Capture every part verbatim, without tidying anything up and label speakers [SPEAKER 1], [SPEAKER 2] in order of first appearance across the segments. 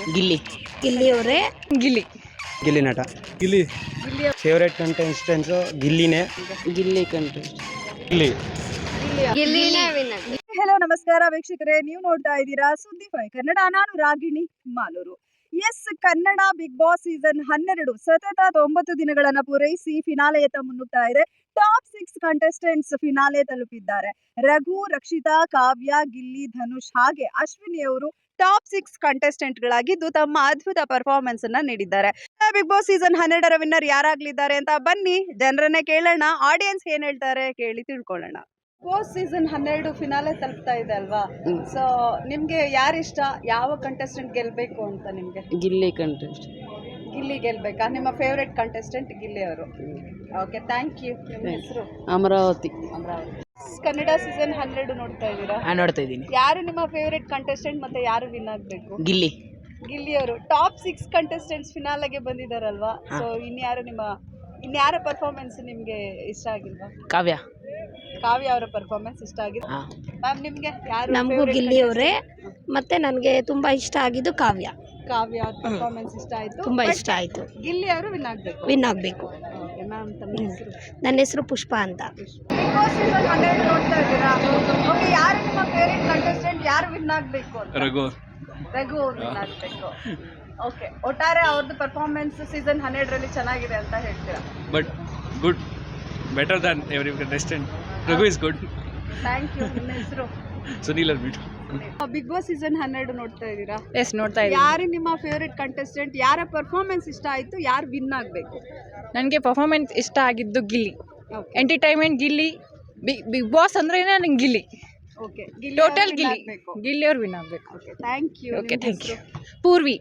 [SPEAKER 1] ಗಿಲ್ಲಿ
[SPEAKER 2] ಗಿಲ್ಲಿ ಅವರೇ.
[SPEAKER 1] Gilli
[SPEAKER 3] Gilli Nata.
[SPEAKER 4] Gilli
[SPEAKER 3] favourite contestants ಗಿಲ್ಲಿನೇ.
[SPEAKER 1] Gilli contest
[SPEAKER 4] Gilli
[SPEAKER 2] ಗಿಲ್ಲಿನೇ ವಿನ್.
[SPEAKER 5] ಹೆಲೋ ನಮಸ್ಕಾರ ವೀಕ್ಷಕರೇ, ನೀವು ನೋಡ್ತಾ ಇದ್ದೀರಾ ಸುದ್ದಿ ಫೈ ಕನ್ನಡ. ನಾನು Ragini Maluru. Yes, Kannada Bigg Boss season ಹನ್ನೆರಡು ಸತತ ಒಂಬತ್ತು ದಿನಗಳನ್ನ ಪೂರೈಸಿ ಫಿನಾಲೆಯತ್ತ ಮುನ್ನುಗ್ತಾ ಇದೆ. ಟಾಪ್ ಸಿಕ್ಸ್ ಕಂಟೆಸ್ಟೆಂಟ್ಸ್ ಫಿನಾಲೆ ತಲುಪಿದ್ದಾರೆ. ರಘು, ರಕ್ಷಿತಾ, ಕಾವ್ಯ, ಗಿಲ್ಲಿ, ಧನುಷ್ ಹಾಗೆ ಅಶ್ವಿನಿ ಅವರು ಟಾಪ್ ಸಿಕ್ಸ್ ಕಂಟೆಸ್ಟೆಂಟ್ ಗಳಾಗಿದ್ದು ತಮ್ಮ ಅದ್ಭುತ ಪರ್ಫಾರ್ಮೆನ್ಸ್ ಅನ್ನ ನೀಡಿದ್ದಾರೆ. ಬಿಗ್ ಬಾಸ್ ಸೀಸನ್ ಹನ್ನೆರಡರ ವಿನ್ನರ್ ಯಾರಾಗ್ಲಿದ್ದಾರೆ ಅಂತ ಬನ್ನಿ ಜನರನ್ನೇ ಕೇಳೋಣ. ಆಡಿಯನ್ಸ್ ಏನ್ ಹೇಳ್ತಾರೆ ಕೇಳಿ ತಿಳ್ಕೊಳ್ಳೋಣ. ಬಾಸ್ ಸೀಸನ್ ಹನ್ನೆರಡು ಫಿನಾಲೆ ತಲುಪ್ತಾ ಇದೆ ಅಲ್ವಾ? ಸೊ ನಿಮ್ಗೆ ಯಾರಿಷ್ಟ, ಯಾವ ಕಂಟೆಸ್ಟೆಂಟ್ ಗೆಲ್ಬೇಕು ಅಂತ ನಿಮ್ಗೆ?
[SPEAKER 1] ಗಿಲ್ಲಿ ಕಂಟೆಸ್ಟ್.
[SPEAKER 5] ಗಿಲ್ಲಿ ಗೆಲ್ಬೇಕಾ? ನಿಮ್ಮ ಫೇವ್ರೆಟ್ ಕಂಟೆಸ್ಟೆಂಟ್ ಗಿಲ್ಲಿ ಅವರು. Okay, thank you. ನಿಮ್ಮ ಹೆಸರು?
[SPEAKER 1] ಅಮರಾವತಿ.
[SPEAKER 5] ಅಮರಾವತಿ. ಕನ್ನಡ ಸೀಸನ್ ಹನ್ನೆರಡು ನೋಡ್ತಾ ಇದ್ದೀರಾ?
[SPEAKER 1] ನಾನು ನೋಡ್ತಾ ಇದ್ದೀನಿ.
[SPEAKER 5] ಯಾರು ನಿಮ್ಮ ಫೇವ್ರೆಟ್ ಕಂಟೆಸ್ಟೆಂಟ್ ಮತ್ತೆ ಯಾರು ವಿನ್ ಆಗ್ಬೇಕು?
[SPEAKER 1] ಗಿಲ್ಲಿ.
[SPEAKER 5] ಗಿಲ್ಲಿ ಅವರು ಟಾಪ್ ಸಿಕ್ಸ್ ಕಂಟೆಸ್ಟೆಂಟ್ಸ್ ಫಿನಾಲೆಗೆ ಬಂದಿದಾರಲ್ವಾ? ಸೊ ಇನ್ಯಾರು ನಿಮ್ಮ ಇನ್ಯಾರ ಪರ್ಫಾರ್ಮೆನ್ಸ್ ನಿಮ್ಗೆ ಇಷ್ಟ ಆಗಿಲ್ವಾ?
[SPEAKER 1] ಕಾವ್ಯ.
[SPEAKER 5] ಕಾವ್ಯ ಅವರ ಪರ್ಫಾರ್ಮೆನ್ಸ್ ಇಷ್ಟ ಆಗಿದೆ. ಮ್ಯಾಮ್ ನಿಮ್ಗೆ ಯಾರು?
[SPEAKER 2] ನಮಗೂ ಗಿಲ್ಲಿ ಅವರೇ. ಮತ್ತೆ ನನಗೆ ತುಂಬಾ ಇಷ್ಟ ಆಗಿದ್ದು ಕಾವ್ಯ.
[SPEAKER 5] ಕಾವ್ಯ ಅವ್ರ ಪರ್ಫಾರ್ಮೆನ್ಸ್ ಇಷ್ಟ ಆಯ್ತು,
[SPEAKER 2] ತುಂಬಾ ಇಷ್ಟ ಆಯ್ತು.
[SPEAKER 5] ಗಿಲ್ಲಿ ಅವರು ವಿನ್ ಆಗ್ಬೇಕು.
[SPEAKER 2] ವಿನ್ ಆಗಬೇಕು.
[SPEAKER 5] ಮ್ಯಾಮ್ ತಮ್ಮ ಹೆಸರು?
[SPEAKER 2] ನನ್ನ ಹೆಸರು ಪುಷ್ಪ ಅಂತ.
[SPEAKER 5] ಬಿಗ್ ಬಾಸ್ ಸೀಸನ್ ಹನ್ನೆರಡು ನೋಡ್ತಾ ಇದ್ದೀರಾ? ಓಕೆ, ಯಾರು ನಿಮ್ಮ ಫೇವರೇಟ್ ಕಂಟೆಸ್ಟೆಂಟ್? ಯಾರು ವಿನ್ ಆಗಬೇಕು ಅಂತ?
[SPEAKER 4] ರಘು
[SPEAKER 5] ರಘು ಅವ್ರು ವಿನ್ ಆಗಬೇಕು. ಓಕೆ, ಒಟ್ಟಾರೆ ಅವ್ರದ್ದು ಪರ್ಫಾರ್ಮೆನ್ಸ್ ಸೀಸನ್ ಹನ್ನೆರಡರಲ್ಲಿ ಚೆನ್ನಾಗಿದೆ ಅಂತ ಹೇಳ್ತೀರಾ?
[SPEAKER 4] But good, better than every contestant. Raghu is good.
[SPEAKER 5] Thank you. ನಿಮ್ಮ ಹೆಸರು?
[SPEAKER 4] ಸುನೀಲ್ ಅರ್ಬಿಟ್.
[SPEAKER 5] ಬಿಗ್ ಬಾಸ್ ಸೀಸನ್ ಹನ್ನೆರಡು ನೋಡ್ತಾ ಇದ್ದೀರಾ?
[SPEAKER 1] ಎಸ್, ನೋಡ್ತಾ ಇದ್ದೀನಿ.
[SPEAKER 5] ಯಾರು ನಿಮ್ಮ ಫೇವರೇಟ್ ಕಂಟೆಸ್ಟೆಂಟ್? ಯಾರ ಪರ್ಫಾರ್ಮೆನ್ಸ್ ಇಷ್ಟ ಆಯ್ತು? ಯಾರು ವಿನ್ ಆಗಬೇಕು?
[SPEAKER 1] ನನಗೆ ಪರ್ಫಾರ್ಮೆನ್ಸ್ ಇಷ್ಟ ಆಗಿದ್ದು Gilli.
[SPEAKER 5] Okay
[SPEAKER 1] entertainment Gilli. Bigg Bigg Boss ಅಂದ್ರೆ ನಂಗೆ ಗಿಲ್ಲಿ.
[SPEAKER 5] Okay,
[SPEAKER 1] total Gilli. ಗಿಲ್ಲಿ ಅವ್ರು ವಿನ್ ಆಗಬೇಕು.
[SPEAKER 5] Okay, thank you.
[SPEAKER 1] Okay, thank you. Purvi.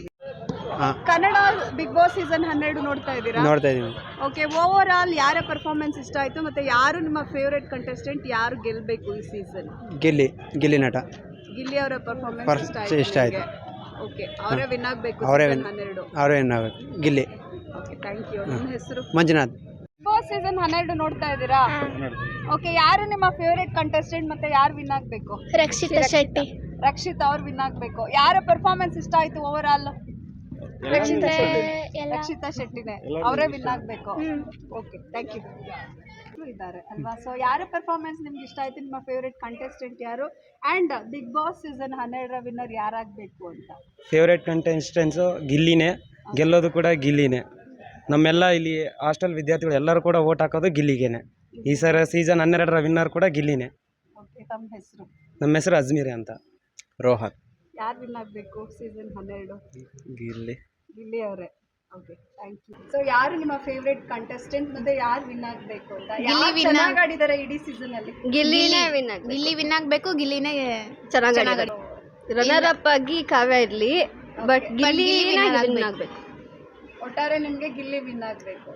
[SPEAKER 5] Kannada Bigg Boss season ಹನ್ನೆರಡು ನೋಡ್ತಾ ಇದ್ದೀರಾ?
[SPEAKER 3] ನೋಡ್ತಾ ಇದ್ದೀವಿ.
[SPEAKER 5] ಓಕೆ, ಓವರ್ ಆಲ್ ಯಾರ ಪರ್ಫಾರ್ಮೆನ್ಸ್ ಇಷ್ಟ ಆಯ್ತು ಮತ್ತೆ ಯಾರು ನಿಮ್ಮ ಫೇವರೇಟ್ ಕಂಟೆಸ್ಟೆಂಟ್? ಯಾರು ಗೆಲ್ಬೇಕು ಈ ಸೀಸನ್?
[SPEAKER 3] ಗಿಲ್ಲಿ ಗಿಲ್ಲಿ ನಟ.
[SPEAKER 5] ಗಿಲ್ಲಿ ಅವರ ಪರ್ಫಾರ್ಮೆನ್ಸ್
[SPEAKER 3] ಪರ್-
[SPEAKER 5] ಇಷ್ಟ ಆಯ್ತು.
[SPEAKER 3] ಇಷ್ಟ ಆಯ್ತು.
[SPEAKER 5] ಓಕೆ, ಅವರೇ ವಿನ್ ಆಗಬೇಕು
[SPEAKER 3] ಅವರೇ
[SPEAKER 5] ಸೀಸನ್
[SPEAKER 3] win.
[SPEAKER 5] ಹನ್ನೆರಡು.
[SPEAKER 3] ಅವರೇ ಏನಾಗಬೇಕು. ಗಿಲ್ಲಿ.
[SPEAKER 5] Okay, thank you. ನಿಮ್ಮ ಹೆಸರು?
[SPEAKER 3] ಮಂಜುನಾಥ್.
[SPEAKER 5] ಬಿಗ್ ಬಾಸ್ ಸೀಸನ್ ಹನ್ನೆರಡು ನೋಡ್ತಾ ಇದ್ದೀರಾ? ಓಕೆ, ಯಾರು ನಿಮ್ಮ ಫೇವರೇಟ್ ಕಂಟೆಸ್ಟೆಂಟ್ ಮತ್ತೆ ಯಾರು ವಿನ್ ಆಗಬೇಕು?
[SPEAKER 2] ರಕ್ಷಿತಾ ಶೆಟ್ಟಿ.
[SPEAKER 5] ರಕ್ಷಿತಾ ಅವ್ರು ವಿನ್ ಆಗಬೇಕು. ಯಾರ ಪರ್ಫಾರ್ಮೆನ್ಸ್ ಇಷ್ಟ ಆಯ್ತು ಓವರ್ ಆಲ್? ರಕ್ಷಿತಾ ಶೆಟ್ಟಿ. ರಕ್ಷಿತಾ ಶೆಟ್ಟಿನೇ, ಅವರೇ ವಿನ್ ಆಗಬೇಕು. Okay, thank you. ಇದ್ದಾರೆ ಅಲ್ವಾ? ಸೊ ಯಾರ ಪರ್ಫಾರ್ಮೆನ್ಸ್ ನಿಮ್ಗೆ ಇಷ್ಟ ಆಯ್ತು? ನಿಮ್ಮ ಫೇವರೇಟ್ ಕಂಟೆಸ್ಟೆಂಟ್ ಯಾರು? ಅಂಡ್ ಬಿಗ್ ಬಾಸ್ ಸೀಸನ್ ಹನ್ನೆರಡರ ವಿನ್ನರ್ ಯಾರಾಗಬೇಕು ಅಂತ?
[SPEAKER 3] ಫೇವ್ರೇಟ್ ಕಂಟೆಸ್ಟೆನ್ಸು ಗಿಲ್ಲಿನೇ. ಗೆಲ್ಲೋದು ಕೂಡ ಗಿಲ್ಲಿನೇ. ನಮ್ಮೆಲ್ಲ ಇಲ್ಲಿ ಹಾಸ್ಟೆಲ್ ವಿದ್ಯಾರ್ಥಿಗಳು ಎಲ್ಲರೂ ಕೂಡ ಓಟ್ ಹಾಕೋದು ಗಿಲ್ಲಿಗೇನೆ. ಈ ಸರ ಸೀಸನ್ ಹನ್ನೆರಡರ ವಿನ್ನರ್ ಕೂಡ ಗಿಲ್ಲಿನೇ.
[SPEAKER 5] ಓಕೆ, ತಮ್ಮ ಹೆಸರು?
[SPEAKER 3] ನಮ್ಮ ಹೆಸರು ಅಜ್ಮೀರ್ ಅಂತ. ರೋಹನ್.
[SPEAKER 5] ಯಾರು ವಿನ್ ಆಗಬೇಕು ಸೀಸನ್ ಹನ್ನೆರಡು?
[SPEAKER 3] ಗಿಲ್ಲಿ.
[SPEAKER 5] ಗಿಲ್ಲಿ ಅವರೇ. Okay, thank you. ಸೊ ಯಾರು ನಿಮ್ಮ ಫೇವರೇಟ್ ಕಂಟೆಸ್ಟೆಂಟ್ ಮತ್ತೆ ಯಾರು ವಿನ್ ಆಗಬೇಕು ಅಂತ? ಯಾರು ಚೆನ್ನಾಗಿ ಆಡಿದ್ದಾರೆ ಇಡೀ ಸೀಸನ್ ಅಲ್ಲಿ?
[SPEAKER 2] ಗಿಲ್ಲಿನೇ ವಿನ್ ಆಗ ಗಿಲ್ಲಿ ವಿನ್ ಆಗಬೇಕು. ಗಿಲ್ಲಿನೇ ಚೆನ್ನಾಗಿ ರನ್ನರ್ ಅಪ್ ಆಗಿ ಕಾವ್ಯ ಇರಲಿ, ಬಟ್ ಗಿಲ್ಲಿನೇ ವಿನ್ ಆಗಬೇಕು.
[SPEAKER 5] ಒಟ್ಟಾರೆ ನಿಮಗೆ ಗಿಲ್ಲಿ ವಿನ್ ಆಗಬೇಕು.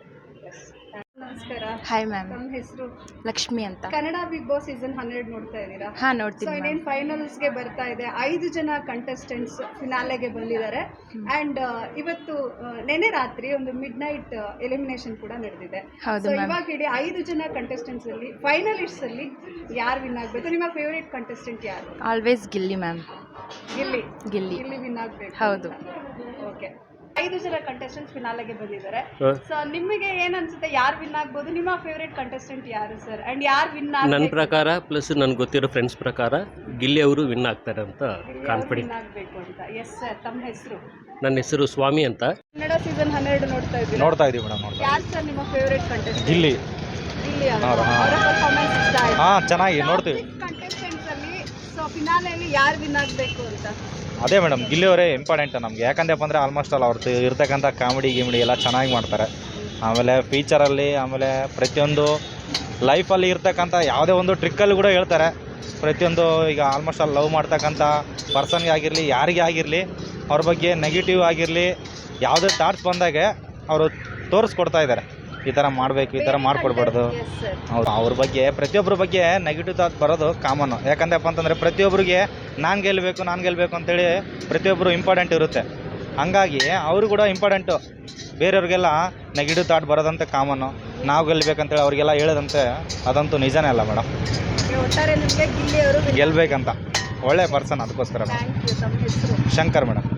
[SPEAKER 5] ನಮಸ್ಕಾರ.
[SPEAKER 1] Hi ma'am.
[SPEAKER 5] ನಮ್ಮ ಹೆಸರು?
[SPEAKER 1] ಲಕ್ಷ್ಮಿ ಅಂತ.
[SPEAKER 5] ಕನ್ನಡ ಬಿಗ್ ಬಾಸ್ ಸೀಸನ್ ಹನ್ನೆರಡು ನೋಡ್ತಾ ಇದ್ದೀರಾ?
[SPEAKER 1] ಹಾ,
[SPEAKER 5] ಸೊ
[SPEAKER 1] ನೋಡ್ತೀನಿ.
[SPEAKER 5] ಇನ್ನೇನು ಫೈನಲ್ಸ್ಗೆ ಬರ್ತಾ ಇದೆ. ಐದು ಜನ ಕಂಟೆಸ್ಟೆಂಟ್ಸ್ ಫಿನಾಲೆಗೆ ಬಂದಿದ್ದಾರೆ. ಆ್ಯಂಡ್ ಇವತ್ತು ಆ, ನೆನೆ ರಾತ್ರಿ ಒಂದು ಮಿಡ್ ನೈಟ್ ಎಲಿಮಿನೇಷನ್ ಕೂಡ ನಡೆದಿದೆ.
[SPEAKER 1] ಹೌದು
[SPEAKER 5] ಸೊ
[SPEAKER 1] ma'am.
[SPEAKER 5] ಇವಾಗ ಇಡೀ ಐದು ಜನ ಕಂಟೆಸ್ಟೆಂಟ್ಸ್ ಅಲ್ಲಿ ಫೈನಲಿಸ್ಟ್ಸ್ ಅಲ್ಲಿ ಯಾರು ವಿನ್ ಆಗಬೇಕು? ನಿಮ್ಮ ಫೇವರೇಟ್ ಕಂಟೆಸ್ಟೆಂಟ್ ಯಾರು?
[SPEAKER 1] Always Gilli ma'am.
[SPEAKER 5] Gilli.
[SPEAKER 1] Gilli.
[SPEAKER 5] Gilli win ಆಗಬೇಕು.
[SPEAKER 1] ಹೌದು.
[SPEAKER 5] ಓಕೆ, ಐದು ಜನ ಕಂಟೆಸ್ಟೆಂಟ್ಸ್ ಫಿನಾಲೆಗೆ ಬಂದಿದ್ದಾರೆ. ಸೊ ನಿಮಗೆ ಏನ್ ಅನ್ಸುತ್ತೆ, ಯಾರು ವಿನ್ ಆಗ್ಬೋದು? ನಿಮ್ಮ ಫೇವರೇಟ್ ಕಂಟೆಸ್ಟೆಂಟ್ ಯಾರು ಸರ್? ಅಂಡ್ ಯಾರು ವಿನ್
[SPEAKER 6] ನನ್ನ ಪ್ರಕಾರ ಪ್ಲಸ್ ನನ್ಗೆ ಗೊತ್ತಿರೋ ಫ್ರೆಂಡ್ಸ್ ಪ್ರಕಾರ ಗಿಲ್ಲಿ ಅವರು ವಿನ್ ಆಗ್ತಾರೆ ಅಂತ ಕಾನ್ಫಿಡೆಂಟ್
[SPEAKER 5] ಆಗಬೇಕು ಅಂತ. ಎಸ್ ಸರ್, ತಮ್ಮ ಹೆಸರು?
[SPEAKER 6] ನನ್ನ ಹೆಸರು ಸ್ವಾಮಿ ಅಂತ.
[SPEAKER 5] ಕನ್ನಡ ಸೀಸನ್ ಹನ್ನೆರಡು ನೋಡ್ತಾ ಇದ್ದೀರಾ?
[SPEAKER 4] ನೋಡ್ತಾ ಇದೀವಿ ಮೇಡಮ್. ನೋಡ್ತಾ
[SPEAKER 5] ಯಾರು ಸರ್ ನಿಮ್ಮ ಫೇವರೇಟ್ ಕಂಟೆಸ್ಟೆಂಟ್?
[SPEAKER 4] ಗಿಲ್ಲಿ.
[SPEAKER 5] ಗಿಲ್ಲಿ
[SPEAKER 4] ಹಾ, ಹಾ.
[SPEAKER 5] ಅವರ ಪರ್ಫಾರ್ಮೆನ್ಸ್ ಇಷ್ಟ ಆಯ್ತು.
[SPEAKER 4] ಹಾ, ಚೆನ್ನಾಗಿ ನೋಡ್ತೀವಿ.
[SPEAKER 5] ಕಂಟೆಸ್ಟೆಂಟ್ಸ್ ಅಲ್ಲಿ ಸೊ ಫಿನಾಲೆಯಲ್ಲಿ ಯಾರು ವಿನ್ ಆಗಬೇಕು ಅಂತ?
[SPEAKER 4] ಅದೇ ಮೇಡಮ್, ಗಿಲ್ಲಿ ಅವರೇ ಇಂಪಾರ್ಟೆಂಟ್ ನಮಗೆ. ಯಾಕಂದಪ್ಪ ಅಂದರೆ ಆಲ್ಮೋಸ್ಟ್ ಆಲ್ ಅವ್ರದ್ದು ಇರ್ತಕ್ಕಂಥ ಕಾಮಿಡಿ ಗಿಮಿಡಿ ಎಲ್ಲ ಚೆನ್ನಾಗಿ ಮಾಡ್ತಾರೆ. ಆಮೇಲೆ ಫೀಚರಲ್ಲಿ, ಆಮೇಲೆ ಪ್ರತಿಯೊಂದು ಲೈಫಲ್ಲಿ ಇರ್ತಕ್ಕಂಥ ಯಾವುದೇ ಒಂದು ಟ್ರಿಕ್ಕಲ್ಲಿ ಕೂಡ ಹೇಳ್ತಾರೆ. ಪ್ರತಿಯೊಂದು ಈಗ ಆಲ್ಮೋಸ್ಟ್ ಆಲ್ ಲವ್ ಮಾಡ್ತಕ್ಕಂಥ ಪರ್ಸನ್ಗೆ ಆಗಿರಲಿ, ಯಾರಿಗೇ ಆಗಿರಲಿ, ಅವ್ರ ಬಗ್ಗೆ ನೆಗೆಟಿವ್ ಆಗಿರಲಿ, ಯಾವುದೇ ಥಾಟ್ಸ್ ಬಂದಾಗೆ ಅವರು ತೋರಿಸ್ಕೊಡ್ತಾ ಇದ್ದಾರೆ. ಈ ಥರ ಮಾಡಬೇಕು, ಈ ಥರ ಮಾಡಿಕೊಡ್ಬಾರ್ದು. ಹೌದು, ಅವ್ರ ಬಗ್ಗೆ ಪ್ರತಿಯೊಬ್ಬರ ಬಗ್ಗೆ ನೆಗೆಟಿವ್ ಥಾಟ್ ಬರೋದು ಕಾಮನ್ನು. ಯಾಕಂದಪ್ಪ ಅಂತಂದರೆ ಪ್ರತಿಯೊಬ್ಬರಿಗೆ ನಾನು ಗೆಲ್ಲಬೇಕು ನಾನು ಗೆಲ್ಲಬೇಕು ಅಂತೇಳಿ ಪ್ರತಿಯೊಬ್ಬರು ಇಂಪಾರ್ಟೆಂಟ್ ಇರುತ್ತೆ. ಹಂಗಾಗಿ ಅವರು ಕೂಡ ಇಂಪಾರ್ಟೆಂಟು. ಬೇರೆಯವ್ರಿಗೆಲ್ಲ ನೆಗೆಟಿವ್ ಥಾಟ್ ಬರೋದಂತೆ ಕಾಮನ್ನು. ನಾವು ಗೆಲ್ಲಬೇಕಂತೇಳಿ ಅವ್ರಿಗೆಲ್ಲ ಹೇಳೋದಂತೆ ಅದಂತೂ ನಿಜನೇ ಅಲ್ಲ ಮೇಡಮ್.
[SPEAKER 5] ಒಟ್ಟಾರೆ ನಿಮಗೆ ಗಿಲ್ಲಿ ಅವರು
[SPEAKER 4] ಗೆಲ್ಲಬೇಕಂತ ಒಳ್ಳೆ ಪರ್ಸನ್, ಅದಕ್ಕೋಸ್ಕರ.
[SPEAKER 5] Thank you. ತಮ್ಮ ಹೆಸರು?
[SPEAKER 4] ಶಂಕರ್ ಮೇಡಮ್.